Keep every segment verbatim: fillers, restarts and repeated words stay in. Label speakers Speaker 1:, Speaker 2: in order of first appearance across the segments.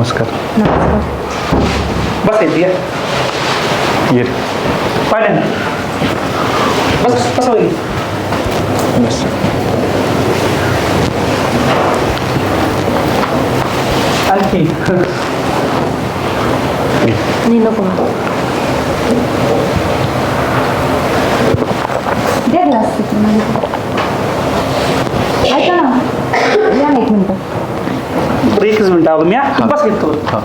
Speaker 1: नमस्कार.
Speaker 2: नमस्कार.
Speaker 3: बस येते ये
Speaker 1: ये रे.
Speaker 3: पाहिजे ना बस कसं होईल
Speaker 1: बस.
Speaker 3: आणखी
Speaker 2: नाही नको मला. दे ग्लास तिथे मला. ऐका ना या ना एक मिनटं.
Speaker 3: बरं एकच मिनिट आलो मी हा. बस घेतो
Speaker 1: हां.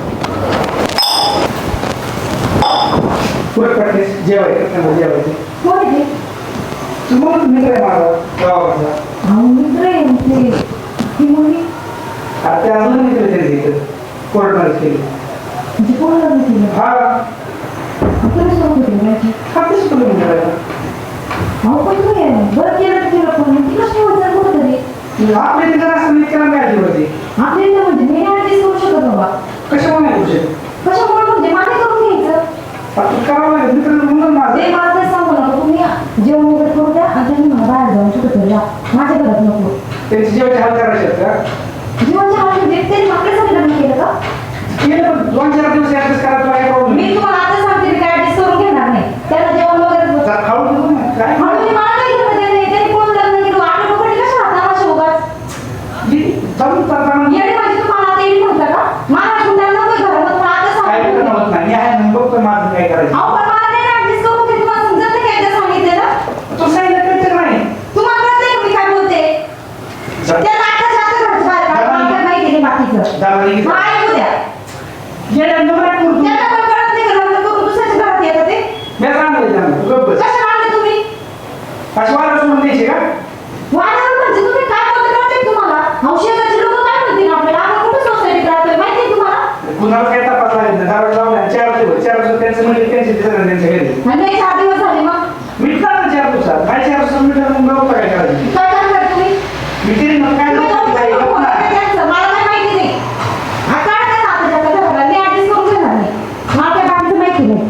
Speaker 3: पुढे प्रॅक्टिस जेवायचं जेवायचं
Speaker 2: कोण आहे ते?
Speaker 3: मग मित्र आहे माझा गावाचा
Speaker 2: अहो, मित्र आहे ते. ती मुलगी
Speaker 3: आता ते अजून मित्र त्यांचे इथं कोर्टमध्ये केली
Speaker 2: म्हणजे कोण लग्न केलं?
Speaker 3: हा
Speaker 2: तुला सांगू दे माझी.
Speaker 3: हा तेच तुला मित्र आहे
Speaker 2: अहो पण तू आहे बरं केलं तर केलं पण ती कशी होतं कुठं तरी
Speaker 3: आपल्या तिथं असं मित्राला मिळाली होती
Speaker 2: आपल्याला म्हणजे मी ऍडजस्ट करू शकत बाबा.
Speaker 3: कशामुळे नाही तुझे
Speaker 2: कशामुळे म्हणजे मला करून घ्यायचं.
Speaker 3: आता करावं लागेल मित्र म्हणून माझं
Speaker 2: ते मला तर सांगू नका तुम्ही जेवण वगैरे करू द्या आणि त्यांनी मला बाहेर जाऊन कुठं तरी जा. माझ्या घरात नको.
Speaker 3: त्यांची जेवायची हाल करायचे आहेत का
Speaker 2: जीवनच्या हाल म्हणजे त्यांनी आपल्यासाठी लग्न केलं का?
Speaker 3: केलं पण दोन चार दिवस ऍडजस्ट करायला काय प्रॉब्लेम
Speaker 2: मी तुम्हाला आता सांगते मी काय ऍडजस्ट करून घेणार नाही. त्याला जेवण वगैरे
Speaker 3: खाऊ देऊ ना काय
Speaker 2: म्हणजे मला काही घेणं देणं नाही. त्यांनी कोण लग्न केलं आपल्या लोकांनी कशा हाताला शिवगाच
Speaker 3: चालू करताना
Speaker 2: येणे म्हणजे तुम्हाला आता येईल म्हटलं का? मला तुम्हाला नको घरात तुम्हाला आता
Speaker 3: काय
Speaker 2: सांगते.
Speaker 3: करणं होत नाही मी आहे ना बघतो माझं काय करायचं
Speaker 2: अहो पण मला नाही ऍडजस्ट करून ते तुम्हाला समजत नाही काय ते सांगितलेलं.
Speaker 3: तू सांगितलं कळतं नाही
Speaker 2: तुम्हाला कळतंय का मी काय बोलते? त्या नाटकाच्या आता घरचं बाहेर काढा. मला काय माहिती नाही बाकीचं.
Speaker 3: दाबाली
Speaker 2: मला ऐकू द्या.
Speaker 3: येड्या नको काय करू तू
Speaker 2: त्यांना पण कळत नाही का लग्न करून दुसऱ्याच्या घरात येतं ते?
Speaker 3: मी सांगितलं त्यांना तू गप्प बस.
Speaker 2: कशाला आणले तुम्ही?
Speaker 3: अशी वारा सोडून द्यायची का
Speaker 2: वादावर म्हणजे तुम्ही काय बोलता कळतंय का तुम्हाला? अहो शेजारचे लोक काय म्हणतील आपल्याला? आपण कुठं सोसायटीत राहतोय माहिती आहे तुम्हाला?
Speaker 3: कुणाला काय तपास लागत नाही दारू लावल्या चार दिवस चार दिवस त्यांचं म्हणजे त्यांचे दिसत नाही त्यांच्या घरी
Speaker 2: आणि नाही चार दिवस झाले मग
Speaker 3: मिटणार ना चार दिवसात काय चार दिवसात मिटणार मग बघतो काय करायचं
Speaker 2: काय करणार तुम्ही?
Speaker 3: मिटेल मग काय
Speaker 2: तुम्ही
Speaker 3: नको काय
Speaker 2: लोकं
Speaker 3: होत
Speaker 2: बोलताय
Speaker 3: नाही.
Speaker 2: त्यांचं, मला काय माहिती नाही. हा काढ त्या नात्याच्या घराला. मी ऍडजस्ट करून घेणार नाही. मला त्या बाकीचं माहिती नाही.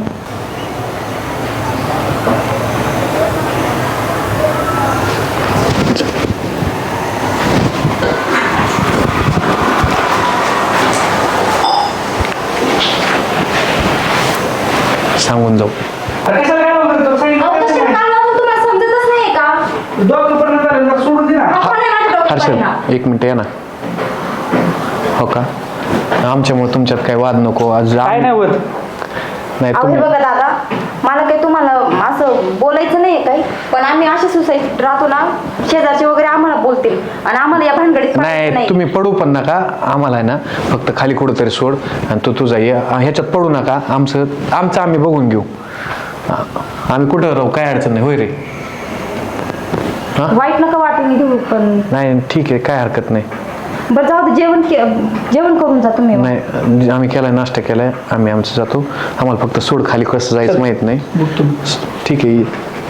Speaker 1: सांगून जाऊ.
Speaker 3: अरे कशाला काय बोलतो
Speaker 2: अहो
Speaker 3: सांगितलं
Speaker 2: कशाला
Speaker 3: काय
Speaker 2: काल लावून तुम्हाला समजतच नाहीये का?
Speaker 3: डॉक्टर पर्यंत झालं जरा सोडून दे ना
Speaker 2: आपण नाही माझ्या डोक्यात परिणाम.
Speaker 1: हर्षद एक मिनिट या ना. हो का आमच्यामुळे तुमच्यात काही वाद नको आज
Speaker 3: काय नाही होत
Speaker 1: नाही
Speaker 2: अहो हे
Speaker 1: तुम्ही
Speaker 2: बघा दादा मला काही तुम्हाला असं बोलायचं नाहीये काही पण आम्ही अशा सोसायटीत राहतो ना शेजारचे वगैरे आम्हाला बोलतील आणि आम्हाला या भानगडीत पडायचं
Speaker 1: नाही तुम्ही पडू पण नका आम्हाला आहे ना फक्त खाली कुठंतरी सोड आणि तू तुझा ये ह्याच्यात पडू नका आमचं आमचं आम्ही बघून घेऊ आ- आम्ही कुठं राहू काय अडचण नाही होय रे. हां
Speaker 2: वाईट नका वाटेल घेऊ पण
Speaker 1: नाही ठीक आहे काय हरकत नाही.
Speaker 2: बरं जाऊ दे जेवण के- जेवण करून जा तुम्ही मग.
Speaker 1: नाही आम्ही केलाय नाश्ता केलाय आम्ही आमचं जातो आम्हाला फक्त सोड खाली कसं जायचं माहित नाही.
Speaker 3: बघतो
Speaker 1: ठीक आहे ये.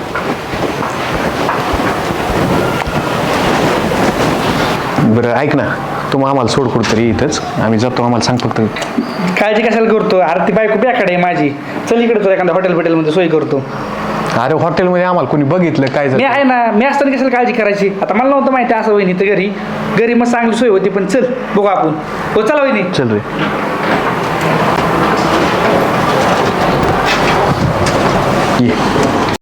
Speaker 1: बरं ऐक ना तू मग आम्हाला सोड कुठतरी इथंच आम्ही जातो आम्हाला सांग फक्त.
Speaker 3: काळजी कशाला करतो अरे ती बायको बॅकडे आहे माझी चल इकडे तुला एखाद्या हॉटेल बिटेलमध्ये सोय करतो
Speaker 1: अरे हॉटेलमध्ये आम्हाला कोणी बघितलं काय
Speaker 3: मी आहे
Speaker 1: झालं
Speaker 3: ना मी असताना कशाला काळजी करायची आता मला नव्हतं माहिती असं वहिनी तर घरी घरी मग चांगली सोय होती पण चल बघू आपण हो चला वहिनी
Speaker 1: चल रे. ये